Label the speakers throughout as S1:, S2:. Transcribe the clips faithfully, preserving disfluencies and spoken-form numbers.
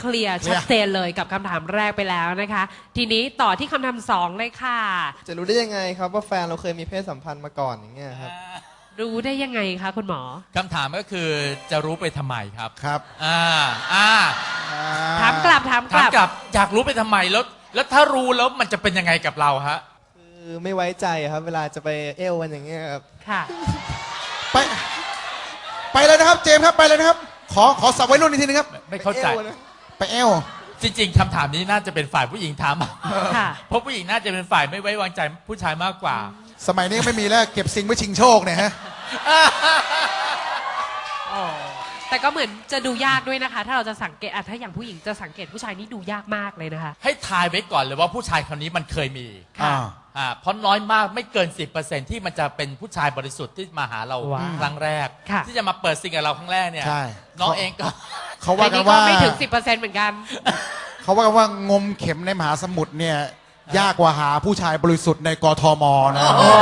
S1: เคลียร์ชัดเจนเลยกับคำถามแรกไปแล้วนะคะ ทีนี้ต่อที่คำถามสองเลยค่ะ
S2: จะรู้ได้ยังไงครับว่าแฟนเราเคยมีเพศสัมพันธ์มาก่อนอย่างเงี้ยครับ
S1: รู้ได้ยังไงคะคุณหมอ
S3: คำถามก็คือจะรู้ไปทำไมครับ
S4: ครับ
S3: อ่าอ่า
S1: ถามกลับถามก
S3: ถาม
S1: ลับ
S3: กลับอยากรู้ไปทำไมแล้วแล้วถ้ารู้แล้วมันจะเป็นยังไงกับเราฮะ
S2: คือไม่ไว้ใจครับเวลาจะไปเอวกันอย่างเงี้ยครับ
S1: ค่ะ
S4: ไปไปเลยนะครับเจมส์ครับไปเลยนะครับ ขอขอสับไว้รุ่นอีกทีนึงครับ
S3: ไม่เข้าใจ
S2: ไปอวนะ
S4: ไปเอว
S3: จริงๆคำถามนี้น่าจะเป็นฝ่ายผู้หญิงถาม
S1: ค่ะ
S3: เพราะผู้หญิงน่าจะเป็นฝ่ายไม่ไว้วางใจผู้ชายมากกว่า
S4: สมัยนี้ไม่มีแล้วเก็บซิงไว้ชิงโชคเนี่ยฮะ
S1: แต่ก็เหมือนจะดูยากด้วยนะคะ ถ้าเราจะสังเกตอ่ะถ้าอย่างผู้หญิงจะสังเกตผู้ชายนี่ดูยากมากเลยนะคะ
S3: ให้ทายไว้ก่อนเลยว่าผู้ชายคนนี้มันเคยมี
S1: ค่ะ
S3: อ่าเพราะน้อยมากไม่เกิน สิบเปอร์เซ็นต์ ที่มันจะเป็นผู้ชายบริสุทธิ์ที่มาหาเรา
S1: ว้าว
S3: ครั้งแรก
S1: ค่ะ
S3: ที่จะมาเปิดซิงกับเราครั้งแรกเนี่ย
S4: ใช่
S3: น้องเองก็
S4: เขาว่า
S1: อัน
S4: กัน
S1: นี้ก็
S4: ว่า
S1: ไม่ถึง สิบเปอร์เซ็นต์ เหมือนกัน
S4: เขาว่ากันว่างมเข็มในมหาสมุทรเนี่ยยากกว่าหาผู้ชายบริสุทธิ์ในกทมนะ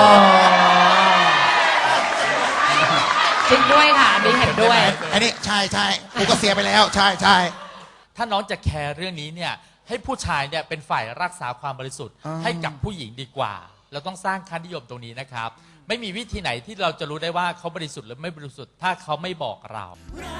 S1: จริงด้วยค่ะ อันนี้เห็นด้วย
S4: อันนี้ใช่ใช่กูก็เสียไปแล้วใช่ใช่
S3: ถ้าน้องจะแคร์เรื่องนี้เนี่ยให้ผู้ชายเนี่ยเป็นฝ่ายรักษาความบริสุทธิ์
S4: อ่า
S3: ให้กับผู้หญิงดีกว่า เราต้องสร้างค่านิยมตรงนี้นะครับ ไม่มีวิธีไหนที่เราจะรู้ได้ว่าเขาบริสุทธิ์หรือไม่บริสุทธิ์ถ้าเขาไม่บอกเรา
S5: รั